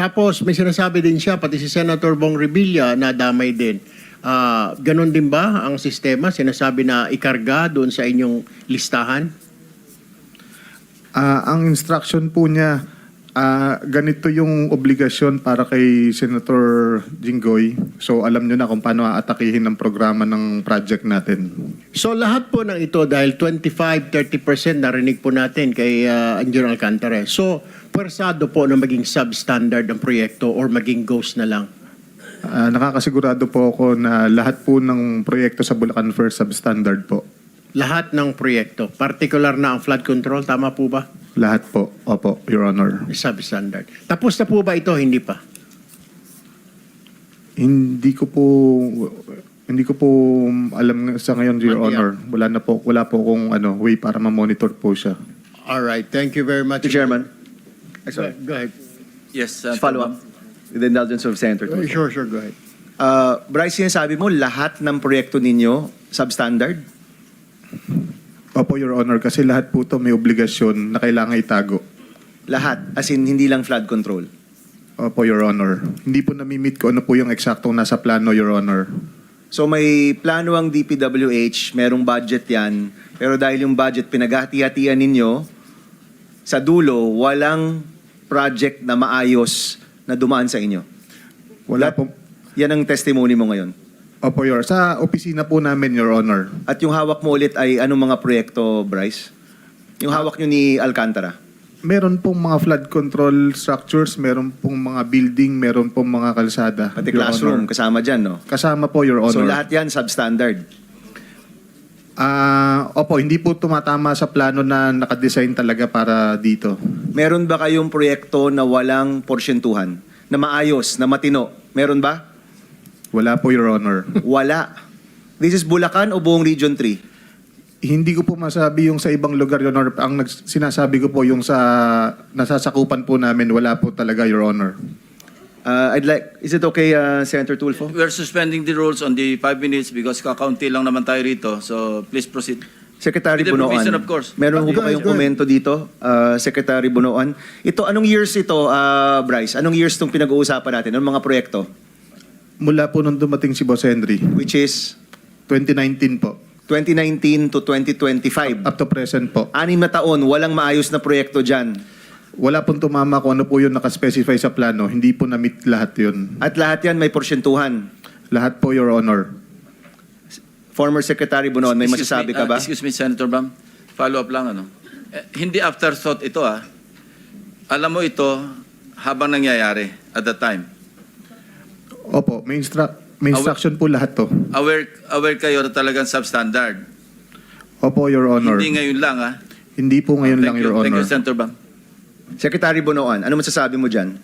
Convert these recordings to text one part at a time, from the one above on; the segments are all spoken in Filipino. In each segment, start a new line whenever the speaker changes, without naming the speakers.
Tapos may sinasabi din siya, pati si Senator Bong Revilla na damay din. Ganon din ba ang sistema? Sinasabi na ikarga doon sa inyong listahan?
Ang instruction po niya, ganito yung obligasyon para kay Senator Jinggoy. So alam nyo na kung paano aatakihin ang programa ng project natin.
So lahat po ng ito dahil 25-30% narinig po natin kay Engineer Alcantara. So pwersado po na maging substandard ang proyekto or maging ghost na lang?
Nakakasigurado po ako na lahat po ng proyekto sa Bulacan First substandard po.
Lahat ng proyekto, particular na ang flood control, tama po ba?
Lahat po. Opo, Your Honor.
Substandard. Tapos na po ba ito? Hindi pa.
Hindi ko po alam sa ngayon, Your Honor. Wala po akong way para ma-monitor po siya.
All right. Thank you very much.
Mr. Chairman,
Go ahead.
Yes,
follow up with the indulgence of Senator Tulfo.
Sure, go ahead.
Bryce, sinasabi mo lahat ng proyekto ninyo substandard?
Opo, Your Honor, kasi lahat po ito may obligasyon na kailangan itago.
Lahat, as in hindi lang flood control.
Opo, Your Honor. Hindi po nami-meet ko ano po yung eksaktong nasa plano, Your Honor.
So may plano ang DPWH, merong budget yan, pero dahil yung budget pinaghati-hatian ninyo, sa dulo, walang project na maayos na dumaan sa inyo.
Wala po.
Yan ang testimony mo ngayon.
Opo, Your Honor. Sa opisina po namin, Your Honor.
At yung hawak mo ulit ay anong mga proyekto, Bryce? Yung hawak nyo ni Alcantara?
Meron pong mga flood control structures, meron pong mga building, meron pong mga kalsada.
Pati
Your
classroom,
Honor.
kasama dyan, no?
Kasama po, Your Honor.
So lahat yan substandard.
Opo, hindi po tumatama sa plano na nakadesign talaga para dito.
Meron ba kayong proyekto na walang porsyentuhan? Na maayos, na matino? Meron ba?
Wala po, Your Honor.
Wala. This is Bulacan o buong Region 3?
Hindi ko po masabi yung sa ibang lugar, Your Honor. Ang sinasabi ko po yung sa nasasakupan po namin, wala po talaga, Your Honor.
Is it okay, Senator Tulfo?
we're suspending the rules on the 5 minutes because kakaunti lang naman tayo rito. So please proceed.
Secretary
With the
Bunoan,
provision, of course.
meron
Go
ba
ahead,
kayong
go ahead.
komento dito, Secretary Bunoan? Ito, anong years ito, Bryce? Anong years itong pinag-uusapan natin? Anong mga proyekto?
Mula po nung dumating si Boss Henry,
Which is
2019 po.
2019 to 2025.
Up to present po.
6 na taon, walang maayos na proyekto dyan.
Wala pong tumama kung ano po yung nakaspecify sa plano. Hindi po na-meet lahat yun.
At lahat yan may porsyentuhan.
Lahat po, Your Honor.
Former Secretary Bunoan, may
Excuse
masasabi
me,
ka ba?
Excuse me, Senator Bam. Follow up lang, ano. Hindi afterthought ito, Alam mo ito habang nangyayari at the time.
Opo, may instruction po lahat to.
Aware kayo na talagang substandard.
Opo, Your Honor.
Hindi ngayon lang,
Hindi po ngayon lang, Your
Thank
Honor.
you, Senator Bam.
Secretary Bunoan, ano masasabi mo dyan?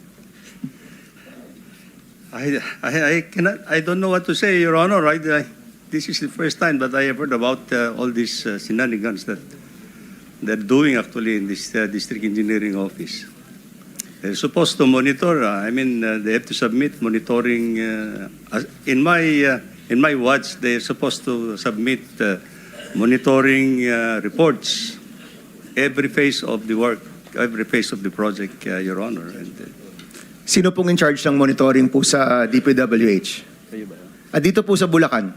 I don't know what to say, Your Honor. This is the first time that I have heard about all these shenanigans that they're doing actually in this district engineering office. They're supposed to monitor. They have to submit monitoring. In my watch, they're supposed to submit monitoring reports every phase of the work, every phase of the project, Your Honor. And,
Sino pong in charge ng monitoring po sa DPWH? At dito po sa Bulacan?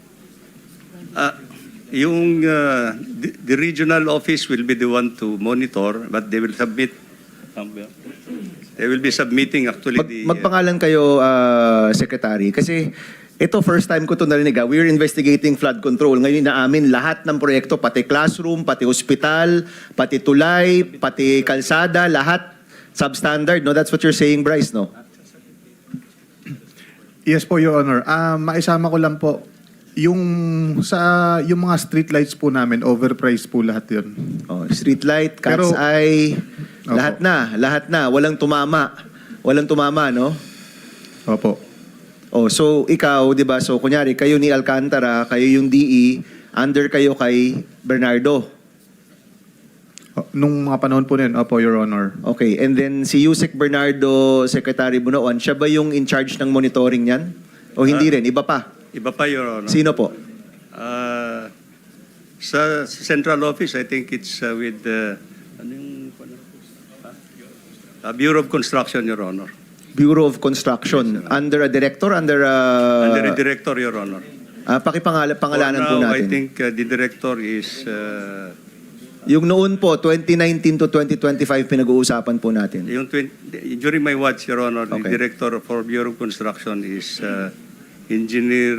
the regional office will be the one to monitor, but they will submit. They will be submitting actually
Magpangalan kayo, Secretary, kasi ito first time ko ito narinig. We're investigating flood control. Ngayon inaamin lahat ng proyekto, pati classroom, pati hospital, pati tulay, pati kalsada, lahat substandard. No? That's what you're saying, Bryce, no?
Yes po, Your Honor. Maisama ko lang po, yung mga street lights po namin, overpriced po lahat yun.
Oh, street light, cat's
Pero-
eye,
Opo.
lahat na. Walang tumama. Walang tumama, no?
Opo.
Oh, so ikaw, 'di ba? So kunyari kayo ni Alcantara, kayo yung DE, under kayo kay Bernardo.
Nung mga panahon po na yun, opo, Your Honor.
Okay, and then si Yusek Bernardo, Secretary Bunoan, siya ba yung in charge ng monitoring niyan? O hindi rin, iba pa?
Iba pa, Your Honor.
Sino po?
Sa central office, I think it's with Bureau of Construction, Your Honor.
Bureau of Construction. Under a director? Under
Under the director, Your Honor.
Pangalanan po
For now, I
natin.
think the director is
Yung noon po, 2019 to 2025, pinag-uusapan po natin.
during my watch, Your Honor, the
Okay.
director for Bureau of Construction is Engineer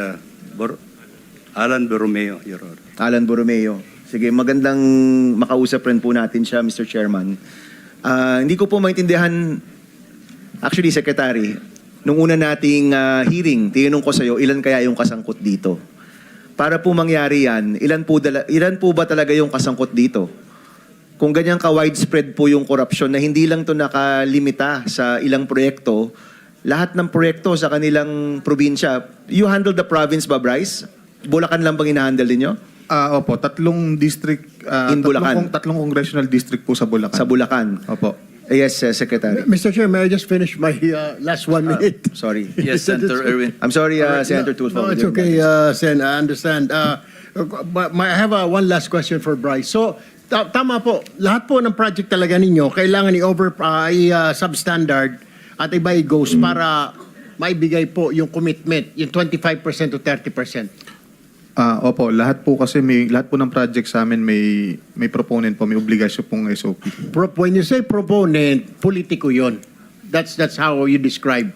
Alan Borromeo, Your Honor.
Alan Borromeo. Sige, magandang makausap rin po natin siya, Mr. Chairman. Hindi ko po maintindihan, actually, Secretary, nung una nating hearing, tinanong ko sa iyo, ilan kaya yung kasangkot dito? Para po mangyari yan, ilan po ba talaga yung kasangkot dito? Kung ganyan ka-widespread po yung korupsyon na hindi lang to nakalimita sa ilang proyekto, lahat ng proyekto sa kanilang probinsya, you handle the province ba, Bryce? Bulacan lang bang inahandle ninyo?
Opo, tatlong district,
In Bulacan.
tatlong congressional district po sa Bulacan.
Sa Bulacan.
Opo.
Yes, Secretary.
Mr. Chair, may I just finish my last 1 minute?
Sorry.
Yes, Senator Erwin.
I'm sorry,
All right,
Senator
no,
Tulfo.
No, it's okay, Sen. I understand. But I have one last question for Bryce. So, tama po. Lahat po ng project talaga ninyo, kailangan i-substandard at iba i-goes para maibigay po yung commitment, yung 25% to 30%.
Opo, lahat po kasi lahat po ng project sa amin may proponent po, may obligasyon pong SOP.
When you say proponent, politiko yon. That's how you describe.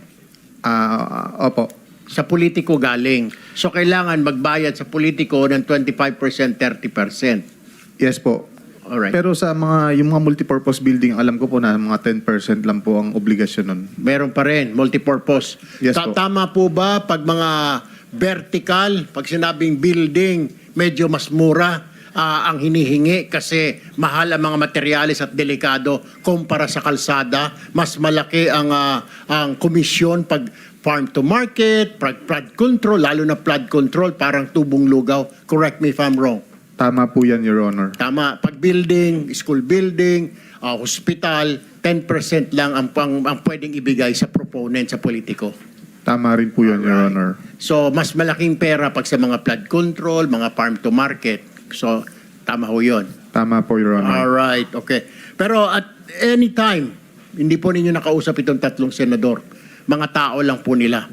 Opo.
Sa politiko galing. So, kailangan magbayad sa politiko ng 25%, 30%.
Yes po.
Alright.
Pero sa yung mga multipurpose building, alam ko po na mga 10% lang po ang obligasyon nun.
Meron pa rin, multipurpose.
Yes po.
Tama po ba pag mga vertical, pag sinabing building, medyo mas mura ang hinihingi kasi mahal ang mga materyales at delikado kumpara sa kalsada, mas malaki ang komisyon pag farm to market, flood control, lalo na flood control, parang tubong lugaw. Correct me if I'm wrong.
Tama po yan, Your Honor.
Tama. Pag building, school building, hospital, 10% lang ang pwedeng ibigay sa proponent, sa politiko.
Tama rin po yan, Your Honor.
So, mas malaking pera pag sa mga flood control, mga farm to market. So, tama ho yun.
Tama po, Your Honor.
Alright, okay. Pero at any time, hindi po ninyo nakausap itong tatlong senador. Mga tao lang po nila.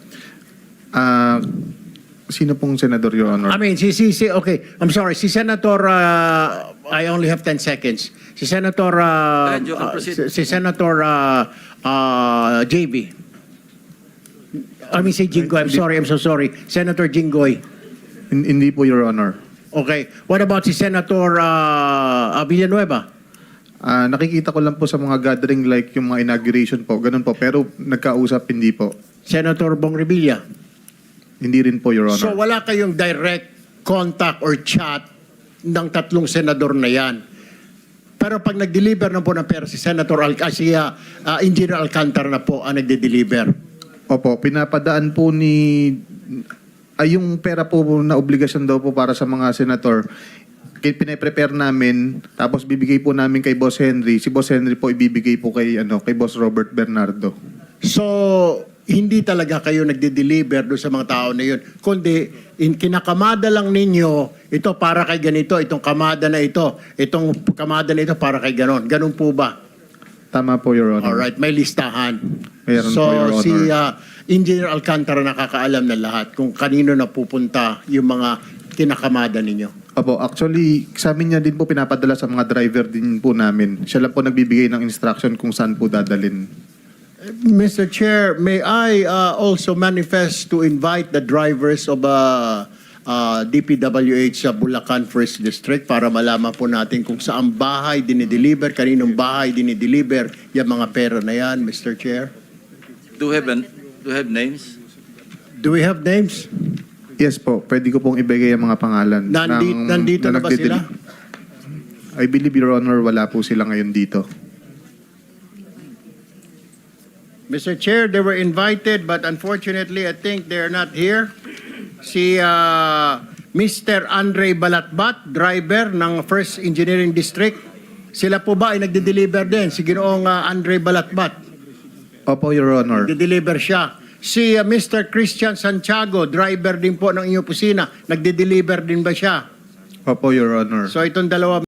Sino pong senador, Your Honor?
I mean, okay, I'm sorry, si Senator, I only have 10 seconds. Si Senator,
You can proceed.
si Senator JB. I mean, si Jinggoy, I'm so sorry. Senator Jinggoy.
Hindi po, Your Honor.
Okay. What about si Senator Villanueva?
Nakikita ko lang po sa mga gathering like yung mga inauguration po, ganun po. Pero nagkausap, hindi po.
Senator Bong Revilla?
Hindi rin po, Your Honor.
So wala kayong direct contact or chat ng tatlong senador na yan. Pero pag nag-deliver na po ng pera si Senator Engineer Alcantara na po ang nagde-deliver.
Opo, pinapadaan po yung pera po na obligasyon daw po para sa mga senator, pinaprepare namin, tapos bibigay po namin kay Boss Henry. Si Boss Henry po ibibigay po kay Boss Robert Bernardo.
So, hindi talaga kayo nagde-deliver doon sa mga tao na yun. Kundi, kinakamada lang ninyo, ito para kay ganito, itong kamada na ito, itong kamada na ito para kay ganon. Ganon po ba?
Tama po, Your Honor.
Alright, may listahan.
Meron
So,
po, Your Honor.
si Engineer Alcantara nakakaalam na lahat kung kanino na pupunta yung mga kinakamada ninyo.
Opo, actually, sa amin niya din po pinapadala sa mga driver din po namin. Siya lang po nagbibigay ng instruction kung saan po dadalin.
Mr. Chair, may I also manifest to invite the drivers of DPWH sa Bulacan First District para malaman po natin kung saan bahay dinideliver, kaninong bahay dinideliver yung mga pera na yan, Mr. Chair.
Do you have names?
Do we have names?
Yes po, pwede ko pong ibigay ang mga pangalan.
Nandito na ba sila?
I believe, Your Honor, wala po sila ngayon dito.
Mr. Chair, they were invited but unfortunately I think they're not here. Si Mr. Andre Balatbat, driver ng First Engineering District. Sila po ba ay nagde-deliver din? Si Ginoong Andre Balatbat.
Opo, Your Honor.
Nagde-deliver siya. Si Mr. Christian Santiago, driver din po ng inyong opisina. Nagde-deliver din ba siya?
Opo, Your Honor.
So itong dalawa